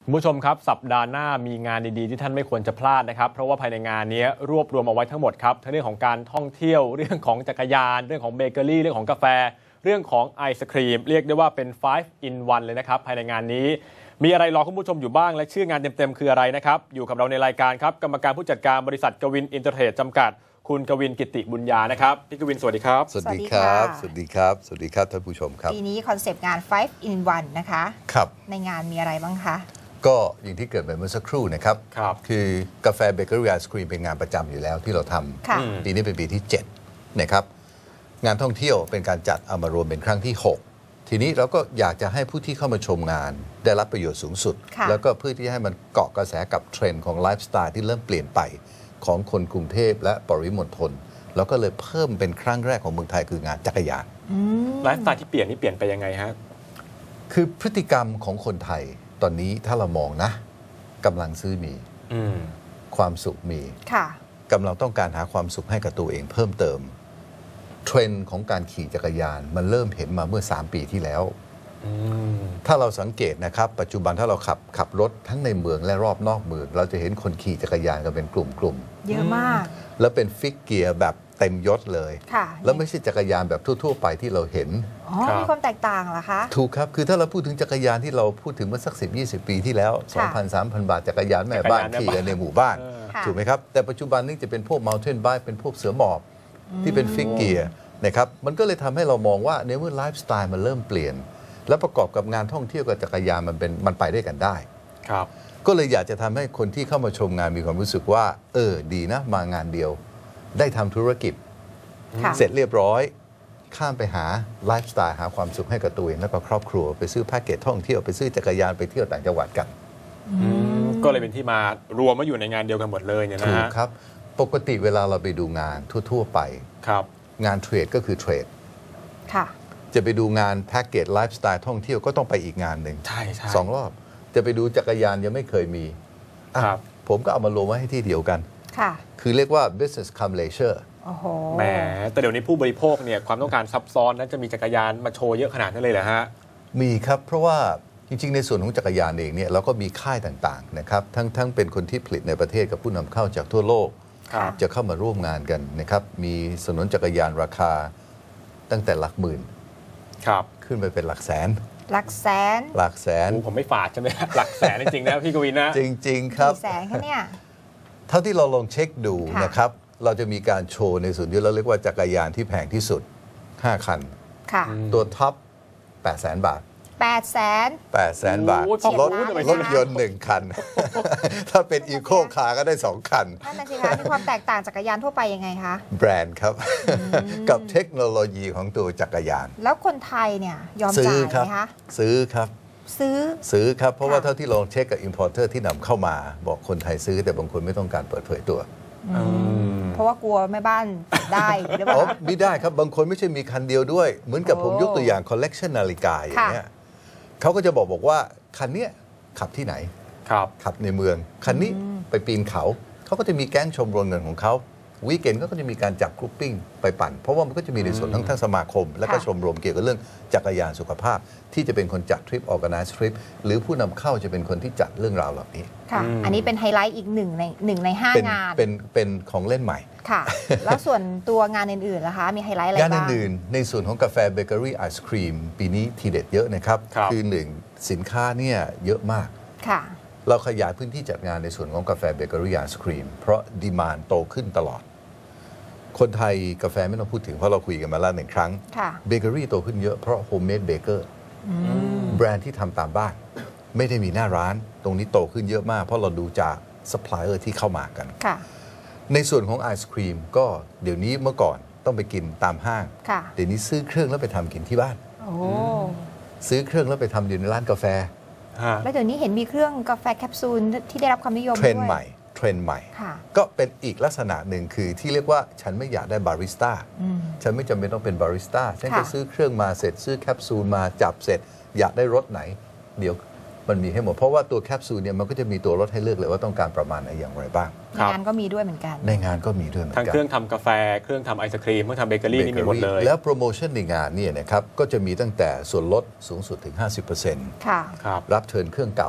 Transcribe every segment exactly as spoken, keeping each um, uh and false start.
คุณผู้ชมครับสัปดาห์หน้ามีงานดีๆที่ท่านไม่ควรจะพลาดนะครับเพราะว่าภายในงานนี้รวบรวมเอาไว้ทั้งหมดครับทั้งเรื่องของการท่องเที่ยวเรื่องของจักรยานเรื่องของเบเกอรี่เรื่องของกาแฟเรื่องของไอศครีมเรียกได้ว่าเป็น ไฟว์ อิน วัน เลยนะครับภายในงานนี้มีอะไรรอคุณผู้ชมอยู่บ้างและชื่องานเต็มๆคืออะไรนะครับอยู่กับเราในรายการครับกรรมการผู้จัดการบริษัทกวินอินเตอร์เทรดจำกัดคุณกวินกิติบุญญานะครับพี่กวินสวัสดีครับสวัสดีครับสวัสดีครับสวัสดีครับท่านผู้ชมครับปีนี้คอนเซปต์งาน ไฟว์ อิน วัน นะคะครับในงานมีอะไรบ้างคะก็อย่างที่เกิดไปเมื่อสักครู่นะครับครับคือกาแฟเบเกอรี่ไอศครีมเป็นงานประจำอยู่แล้วที่เราทำปีนี้เป็นปีที่เจ็ดนะครับงานท่องเที่ยวเป็นการจัดเอามารวมเป็นครั้งที่หกทีนี้เราก็อยากจะให้ผู้ที่เข้ามาชมงานได้รับประโยชน์สูงสุดแล้วก็เพื่อที่ให้มันเกาะกระแสกับเทรนด์ของไลฟ์สไตล์ที่เริ่มเปลี่ยนไปของคนกรุงเทพและปริมณฑลแล้วก็เลยเพิ่มเป็นครั้งแรกของเมืองไทยคืองานจักรยานไลฟ์สไตล์ที่เปลี่ยนนี่เปลี่ยนไปยังไงฮะคือพฤติกรรมของคนไทยตอนนี้ถ้าเรามองนะกำลังซื้อมีความสุขมีกำลังต้องการหาความสุขให้กับตัวเองเพิ่มเติมเทรนด์ของการขี่จักรยานมันเริ่มเห็นมาเมื่อสามปีที่แล้วถ้าเราสังเกตนะครับปัจจุบันถ้าเราขับขับรถทั้งในเมืองและรอบนอกเมืองเราจะเห็นคนขี่จักรยานกันเป็นกลุ่มๆเยอะมากแล้วเป็นฟิกเกียร์แบบเต็มยศเลยแล้วไม่ใช่จักรยานแบบทั่วๆไปที่เราเห็นอ๋อมีความแตกต่างเหรอคะถูกครับคือถ้าเราพูดถึงจักรยานที่เราพูดถึงเมื่อสักสิบ ยี่สิบปีที่แล้ว สองพัน สามพัน บาทจักรยานแม่บ้านขี่กันในหมู่บ้านถูกไหมครับแต่ปัจจุบันนี้จะเป็นพวก Mountain Bike เป็นพวกเสือหมอบที่เป็นฟิกเกียร์นะครับมันก็เลยทำให้เรามองว่าในเมื่อไลฟ์สไตล์มันเริ่มเปลี่ยนและประกอบกับงานท่องเที่ยวกับจักรยานมันเป็นมันไปได้กันได้ครับก็เลยอยากจะทำให้คนที่เข้ามาชมงานมีความรู้สึกว่าเออดีนะมางานเดียวได้ทำธุรกิจเสร็จเรียบร้อยข้ามไปหาไลฟ์สไตล์หาความสุขให้กับตัวเองและกับครอบครัวไปซื้อแพ็กเกจท่องเที่ยวไปซื้อจักรยานไปเที่ยวต่างจังหวัดกันก็เลยเป็นที่มารวมมาอยู่ในงานเดียวกันหมดเลยเนี่ยนะถูกครับปกติเวลาเราไปดูงานทั่วๆไปครับงานเทรดก็คือเทรดค่ะจะไปดูงานแพ็กเกจไลฟ์สไตล์ท่องเที่ยวก็ต้องไปอีกงานหนึ่งใช่ใช่สองรอบจะไปดูจักรยานยังไม่เคยมีครับผมก็เอามารวมไว้ให้ที่เดียวกันค่ะคือเรียกว่า business come leisure โอ้โหแหมแต่เดี๋ยวนี้ผู้บริโภคเนี่ยความต้องการซับซ้อนนั้นจะมีจักรยานมาโชว์เยอะขนาดนั้นเลยเหรอฮะมีครับเพราะว่าจริงๆในส่วนของจักรยานเองเนี่ยเราก็มีค่ายต่างๆนะครับทั้งทั้งเป็นคนที่ผลิตในประเทศกับผู้นำเข้าจากทั่วโลกจะเข้ามาร่วมงานกันนะครับมีสนุนจักรยานราคาตั้งแต่หลักหมื่นครับขึ้นไปเป็นหลักแสนหลักแสนหลักแสนผมไม่ฝาดใช่ไหมหลักแสนจริงๆนะพี่กวินนะจริงๆครับกี่แสนแค่เนี่ยเท่าที่เราลองเช็คดูนะครับเราจะมีการโชว์ในส่วนที่เราเรียกว่าจักรยานที่แพงที่สุดห้าคันตัวท็อปแปดแสนบาทแปดแสนแปดแสนบาทรถรถยนต์หนึ่งคันถ้าเป็นอีโคคาร์ก็ได้สองคันนั่นน่ะสิคะมีความแตกต่างจักรยานทั่วไปยังไงคะแบรนด์ครับกับเทคโนโลยีของตัวจักรยานแล้วคนไทยเนี่ยยอมจ่ายไหมคะซื้อครับซื้อซื้อครับเพราะว่าเท่าที่ลองเช็คกับอิมพอร์เตอร์ที่นำเข้ามาบอกคนไทยซื้อแต่บางคนไม่ต้องการเปิดเผยตัวเพราะว่ากลัวแม่บ้านได้หรือเปล่าไม่ได้ครับบางคนไม่ใช่มีคันเดียวด้วยเหมือนกับผมยกตัวอย่างคอลเลกชันนาฬิกาอย่างเงี้ยเขาก็จะบอกบอกว่าคันนี้ขับที่ไหนครับขับในเมืองคันนี้ไปปีนเขาเขาก็จะมีแก๊งชมรมเงินของเขาวีคเอนด์ก็จะมีการจับกรุ๊ปปิ้งไปปั่นเพราะว่ามันก็จะมีในส่วนทั้งทั้งสมาคมและก็ชมรมเกี่ยวกับเรื่องจักรยานสุขภาพที่จะเป็นคนจัดทริปออร์แกไนซ์ทริปหรือผู้นำเข้าจะเป็นคนที่จัดเรื่องราวเหล่านี้ค่ะอันนี้เป็นไฮไลท์อีกหนึ่งในหนึ่งในห้างานเป็นเป็นของเล่นใหม่ค่ะแล้วส่วนตัวงานอื่นๆล่ะคะมีไฮไลท์อะไรบ้างงานอื่นๆในส่วนของกาแฟเบเกอรี่ไอศครีมปีนี้ทีเด็ดเยอะนะครับคือหนึ่งสินค้าเนี่ยเยอะมากค่ะเราขยายพื้นที่จัดงานในส่วนของกาแฟเบเกอรี่ไอศครีมเพราะดีมานด์โตขึ้นตลอดคนไทยกาแฟไม่ต้องพูดถึงเพราะเราคุยกันมาแล้วหนึ่งครั้งเบเกอรี่โตขึ้นเยอะเพราะโฮมเมดเบเกอร์แบรนด์ที่ทำตามบ้านไม่ได้มีหน้าร้านตรงนี้โตขึ้นเยอะมากเพราะเราดูจากซัพพลายเออร์ที่เข้ามากันในส่วนของไอศครีมก็เดี๋ยวนี้เมื่อก่อนต้องไปกินตามห้างเดี๋ยวนี้ซื้อเครื่องแล้วไปทำกินที่บ้านซื้อเครื่องแล้วไปทำอยู่ในร้านกาแฟแล้วเดี๋ยวนี้เห็นมีเครื่องกาแฟแคปซูลที่ได้รับความนิยมด้วยเทรนด์ใหม่เทรนด์ใหม่ก็เป็นอีกลักษณะหนึ่งคือที่เรียกว่าฉันไม่อยากได้บาริสต้าฉันไม่จำเป็นต้องเป็นบาริสต้าฉันจะซื้อเครื่องมาเสร็จซื้อแคปซูลมาจับเสร็จอยากได้รสไหนเดี๋ยวมันมีให้หมดเพราะว่าตัวแคปซูลเนี่ยมันก็จะมีตัวรสให้เลือกเลยว่าต้องการประมาณไหนอย่างไรบ้างในงานก็มีด้วยเหมือนกันในงานก็มีด้วยเหมือนกันทั้งเครื่องทำกาแฟเครื่องทำไอศครีมเครื่องทำเบเกอรี่นี่มีหมดเลยแล้วโปรโมชั่นในงานเนี่ยนะครับก็จะมีตั้งแต่ส่วนลดสูงสุดถึง ห้าสิบเปอร์เซ็นต์ค่ะรับเทิร์นเครื่องเก่า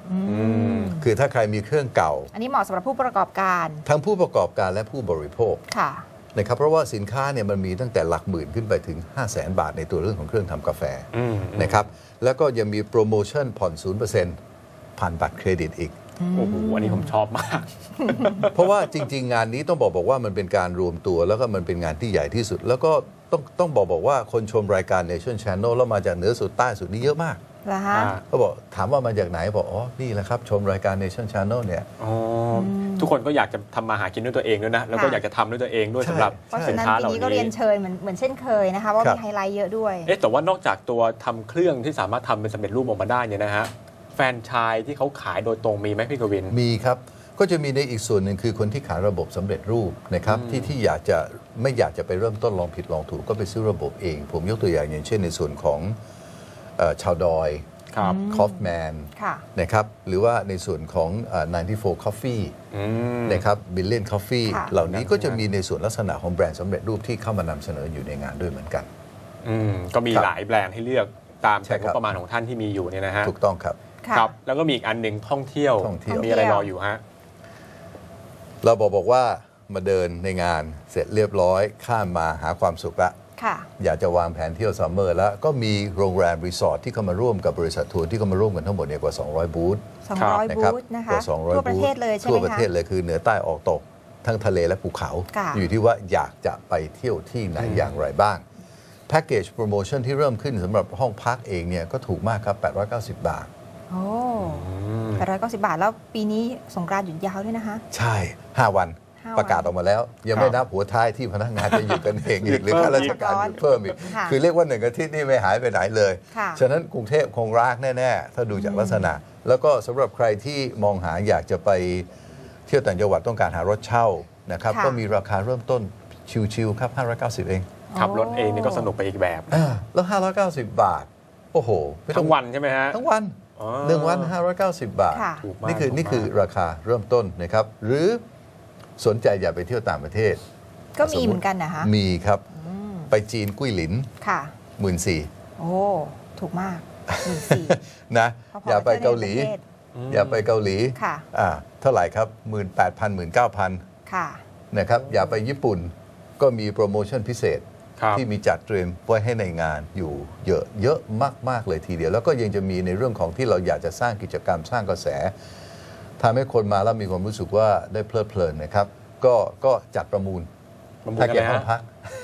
คือถ้าใครมีเครื่องเก่าอันนี้เหมาะสำหรับผู้ประกอบการทั้งผู้ประกอบการและผู้บริโภคค่ะนะครับเพราะว่าสินค้าเนี่ยมันมีตั้งแต่หลักหมื่นขึ้นไปถึง ห้าแสน บาทในตัวเรื่องของเครื่องทำกาแฟนะครับแล้วก็ยังมีโปรโมชั่นผ่อน ศูนย์เปอร์เซ็นต์ ผ่านบัตรเครดิตอีกโอ้โหอันนี้ผมชอบมากเพราะว่าจริงๆงานนี้ต้องบอกบอกว่ามันเป็นการรวมตัวแล้วก็มันเป็นงานที่ใหญ่ที่สุดแล้วก็ต้องต้องบอกบอกว่าคนชมรายการ Nation Channel แล้วมาจากเหนือสุดใต้สุดนี่เยอะมากเขาบอกถามว่ามาจากไหนบอกอ๋อนี่แหละครับชมรายการ Nation Channel เนี่ยทุกคนก็อยากจะทำมาหากินด้วยตัวเองด้วยนะแล้วก็อยากจะทำด้วยตัวเองด้วยสำหรับสินค้าเหล่านี้ก็เรียนเชิญเหมือนเหมือนเช่นเคยนะคะว่ามีไฮไลท์เยอะด้วยเอ๊ะแต่ว่านอกจากตัวทำเครื่องที่สามารถทำเป็นสำเร็จรูปออกมาได้เนี่ยนะฮะแฟรนไชส์ที่เขาขายโดยตรงมีไหมพี่กวินมีครับก็จะมีในอีกส่วนหนึ่งคือคนที่ขายระบบสำเร็จรูปนะครับที่ที่อยากจะไม่อยากจะไปเริ่มต้นลองผิดลองถูกก็ไปซื้อระบบเองผมยกตัวอย่างอย่างเช่นในส่วนของชาวดอยคอฟแมนนะครับหรือว่าในส่วนของไนน์ตี้โฟร์ Coffee นะครับบิลเลียน Coffee เหล่านี้ก็จะมีในส่วนลักษณะของแบรนด์สำเร็จรูปที่เข้ามานำเสนออยู่ในงานด้วยเหมือนกันก็มีหลายแบรนด์ให้เลือกตามแต่งบประมาณของท่านที่มีอยู่เนี่ยนะฮะถูกต้องครับครับแล้วก็มีอีกอันหนึ่งท่องเที่ยวมีอะไรรออยู่ฮะเราบอกบอกว่ามาเดินในงานเสร็จเรียบร้อยข้ามมาหาความสุขละอยากจะวางแผนเที่ยวซัมเมอร์แล้วก็มีโรงแรมรีสอร์ทที่เข้ามาร่วมกับบริษัททัวร์ที่เข้ามาร่วมกันทั้งหมดเนี่ยกว่าสองร้อยบูธสองร้อยบูธนะคะทั่วประเทศเลยใช่ไหมคะทั่วประเทศเลยคือเหนือใต้ออกตกทั้งทะเลและภูเขาอยู่ที่ว่าอยากจะไปเที่ยวที่ไหนอย่างไรบ้างแพ็กเกจโปรโมชั่นที่เริ่มขึ้นสำหรับห้องพักเองเนี่ยก็ถูกมากครับแปดร้อยเก้าสิบบาทโอ้แปดร้อยเก้าสิบบาทแล้วปีนี้สงกรานต์หยุดยาวด้วยนะคะใช่ห้าวันประกาศออกมาแล้วยังไม่นับหัวท้ายที่พนักงานจะหยุดกันเองอีกหรือข้าราชการหยุดเพิ่มอีกคือเรียกว่าหนึ่งอาทิตย์นี่ไม่หายไปไหนเลยฉะนั้นกรุงเทพคงรากแน่ๆถ้าดูจากลักษณะแล้วก็สำหรับใครที่มองหาอยากจะไปเที่ยวต่างจังหวัดต้องการหารถเช่านะครับก็มีราคาเริ่มต้นชิวๆครับห้าร้อยเก้าสิบเองขับรถเองนี่ก็สนุกไปอีกแบบแล้วห้าร้อยเก้าสิบบาทโอ้โหทั้งวันใช่ไหมฮะทั้งวันหนึ่งวันห้าร้อยเก้าสิบบาทนี่คือนี่คือราคาเริ่มต้นนะครับหรือสนใจอยากไปเที่ยวต่างประเทศก็มีเหมือนกันนะคะมีครับไปจีนกุ้ยหลินค่ะหมื่นสี่โอ้ถูกมากหมื่นสี่นะอยากไปเกาหลีอยากไปเกาหลีค่ะอ่าเท่าไหร่ครับหมื่นแปดพันหมื่นเก้าพันค่ะนะครับอยากไปญี่ปุ่นก็มีโปรโมชั่นพิเศษที่มีจัดเตรียมไว้ให้ในงานอยู่เยอะเยอะมากๆเลยทีเดียวแล้วก็ยังจะมีในเรื่องของที่เราอยากจะสร้างกิจกรรมสร้างกระแสทำให้คนมาแล้วมีความรู้สึกว่าได้เพลิดเพลินนะครับก็ก็จัดประมูลแพ็กเกจห้องพัก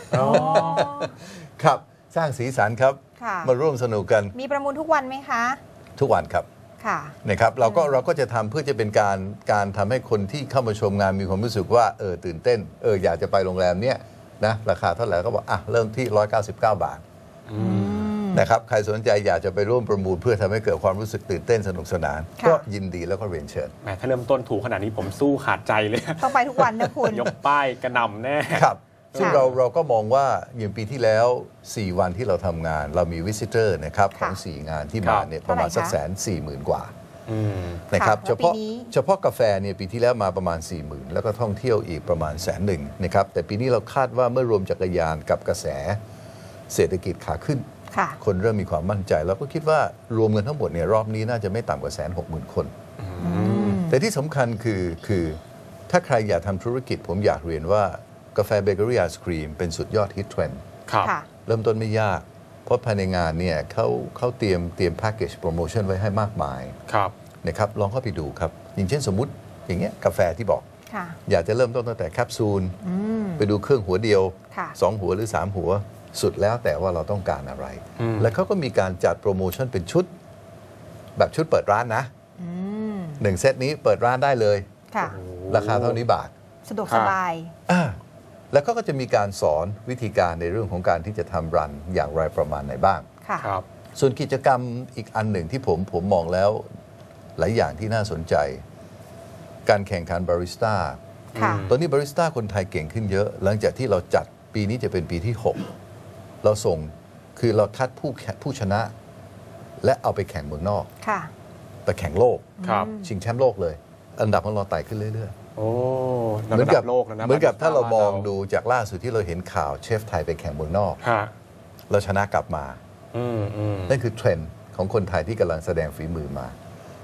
ครับสร้างสีสันครับมาร่วมสนุกกันมีประมูลทุกวันไหมคะทุกวันครับนะครับเราก็เราก็จะทำเพื่อจะเป็นการการทำให้คนที่เข้ามาชมงานมีความรู้สึกว่าเออตื่นเต้นเอออยากจะไปโรงแรมเนี้ยนะราคาเท่าไหร่ก็บอกอ่ะเริ่มที่หนึ่งร้อยเก้าสิบเก้าบาทนะครับใครสนใจอยากจะไปร่วมประมูลเพื่อทำให้เกิดความรู้สึกตื่นเต้นสนุกสนานก็ยินดีแล้วก็เรียนเชิญแหมถ้าเริ่มต้นถูกขนาดนี้ผมสู้ขาดใจเลยต้องไปทุกวันนะคุณยกป้ายกระหน่ำแน่ครับซึ่งเราเราก็มองว่าอย่างปีที่แล้วสี่วันที่เราทำงานเรามีวิสิเตอร์นะครับของสี่งานที่มาเนี่ยประมาณสักแสนสี่หมื่นกว่านะครับเฉพาะเฉพาะกาแฟเนี่ยปีที่แล้วมาประมาณ สี่หมื่น แล้วก็ท่องเที่ยวอีกประมาณแสนหนึ่งนะครับแต่ปีนี้เราคาดว่าเมื่อรวมจักรยานกับกระแสเศรษฐกิจขาขึ้นคนเริ่มมีความมั่นใจแล้วก็คิดว่ารวมเงินทั้งหมดเนี่ยรอบนี้น่าจะไม่ต่ำกว่าแสนหกหมื่นคนแต่ที่สำคัญคือคือถ้าใครอยากทำธุรกิจผมอยากเรียนว่ากาแฟเบเกอรี่ไอศครีมเป็นสุดยอดฮิตเทรนด์เริ่มต้นไม่ยากเพราะภายในงานเนี่ยเขาเขาเตรียมเตรียมแพ็กเกจโปรโมชั่นไว้ให้มากมายนะครับลองเข้าไปดูครับอย่างเช่นสมมุติอย่างเงี้ยกาแฟที่บอกอยากจะเริ่มต้นตั้งแต่แคปซูลไปดูเครื่องหัวเดียวสองหัวหรือสามหัวสุดแล้วแต่ว่าเราต้องการอะไรแล้วเขาก็มีการจัดโปรโมชั่นเป็นชุดแบบชุดเปิดร้านนะหนึ่งเซตนี้เปิดร้านได้เลยราคาเท่านี้บาทสะดวกสบายแล้วก็จะมีการสอนวิธีการในเรื่องของการที่จะทำรันอย่างไรประมาณไหนบ้างส่วนกิจกรรมอีกอันหนึ่งที่ผมผมมองแล้วหลายอย่างที่น่าสนใจการแข่งขันบาริสต้าตอนนี้บาริสต้าคนไทยเก่งขึ้นเยอะหลังจากที่เราจัดปีนี้จะเป็นปีที่หกเราส่งคือเราคัดผู้ผู้ชนะและเอาไปแข่งเมืองนอกไปแข่งโลกชิงแชมป์โลกเลยอันดับของเราไต่ขึ้นเรื่อยๆโอ้เหมือนกับเหมือนกับถ้าเรามองดูจากล่าสุดที่เราเห็นข่าวเชฟไทยไปแข่งเมืองนอกเราชนะกลับมานั่นคือเทรนด์ของคนไทยที่กำลังแสดงฝีมือมา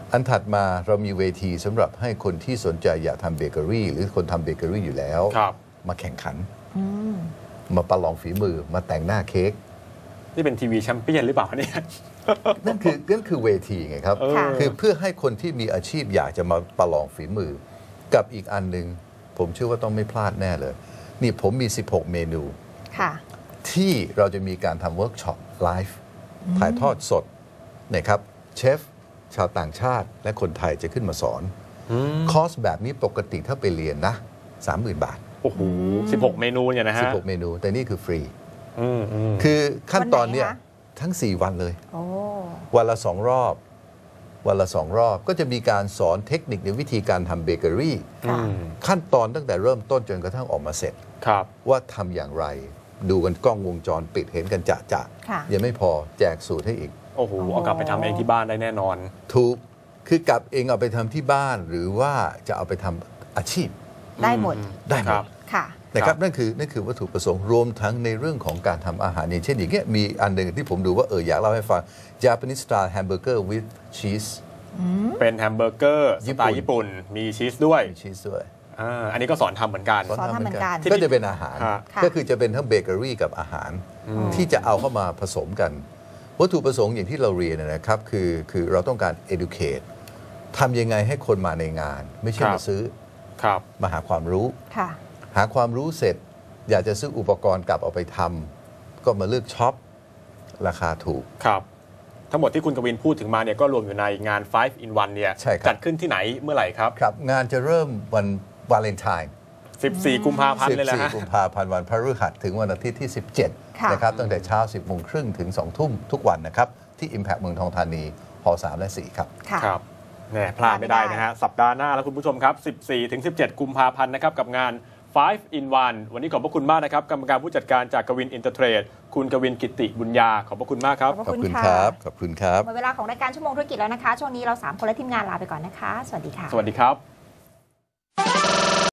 อันถัดมาเรามีเวทีสำหรับให้คนที่สนใจอยากทำเบเกอรี่หรือคนทำเบเกอรี่อยู่แล้ว มาแข่งขัน มาประลองฝีมือมาแต่งหน้าเค้กนี่เป็นทีวีแชมเปี้ยนหรือเปล่าเนี่ยนั่นคือนั่นคือเวทีไงครับ คือเพื่อให้คนที่มีอาชีพอยากจะมาประลองฝีมือ กับอีกอันหนึ่งผมเชื่อว่าต้องไม่พลาดแน่เลย นี่ผมมีสิบหกเมนูที่เราจะมีการทำเวิร์กช็อปไลฟ์ถ่ายทอดสดนะครับเชฟชาวต่างชาติและคนไทยจะขึ้นมาสอนคอร์สแบบนี้ปกติถ้าไปเรียนนะ สามหมื่น บาทโอ้โหสิบหกเมนูเนี่ยนะฮะสิบหกเมนูแต่นี่คือฟรีคือขั้นตอนเนี่ยทั้งสี่วันเลยวันละสองรอบวันละสองรอบก็จะมีการสอนเทคนิคในวิธีการทำเบเกอรี่ขั้นตอนตั้งแต่เริ่มต้นจนกระทั่งออกมาเสร็จว่าทำอย่างไรดูกันกล้องวงจรปิดเห็นกันจะจะยังไม่พอแจกสูตรให้อีกโอ้โหเอากลับไปทำเองที่บ้านได้แน่นอนถูกคือกลับเองเอาไปทำที่บ้านหรือว่าจะเอาไปทำอาชีพได้หมดได้หมดนะครับนั่นคือนั่นคือวัตถุประสงค์รวมทั้งในเรื่องของการทำอาหารอย่างเช่นอย่างเงี้ยมีอันหนึ่งที่ผมดูว่าเอออยากเล่าให้ฟัง Japanese style hamburger with cheese เป็นแฮมเบอร์เกอร์สไตล์ญี่ปุ่นมีชีสด้วยมีชีสด้วยอันนี้ก็สอนทำเหมือนกันสอนทำเหมือนกันก็จะเป็นอาหารก็คือจะเป็นทั้งเบเกอรี่กับอาหารที่จะเอาเข้ามาผสมกันวัตถุประสงค์อย่างที่เราเรียนนะครับคือคือเราต้องการ educate ทำยังไงให้คนมาในงานไม่ใช่มาซื้อมาหาความรู้หาความรู้เสร็จอยากจะซื้ออุปกรณ์กลับเอาไปทำก็มาเลือกช็อปราคาถูกครับทั้งหมดที่คุณกวินพูดถึงมาเนี่ยก็รวมอยู่ในงาน ไฟว์ in วันเนี่ยจัดขึ้นที่ไหนเมื่อไหร่ครับครับงานจะเริ่มวันวาเลนไทน์สิบสี่กุมภาพันธ์เลยแหละฮะสิบสี่กุมภาพันธ์วันพฤหัสถึงวันอาทิตย์ที่สิบเจ็ดนะครับตั้งแต่เช้า สิบโมงครึ่งถึงสองทุ่มทุกวันนะครับที่ Impact เมืองทองธานีหอสามและสี่ครับครับแน่พลาดไม่ได้นะฮะสัปดาห์หน้าแล้วคุณผู้ชมครับสิบสี่ถึงสิบเจ็ดกุมภาพันธ์นะครับกับงานไฟว์ in วันวันนี้ขอบพระคุณมากนะครับกรรมการผู้จัดการจากกวินอินเตอร์เทรดคุณกวินกิติบุญญาขอบพระคุณมากครับขอบคุณครับขอบคุณครับหมดเวลาของรายการชั่วโมงธุรกิจแล้วนะคะช่วงนี้เราสามคนและทีมงานลาไปก่อนนะคะสวัสดีค่ะสวัสดีครับ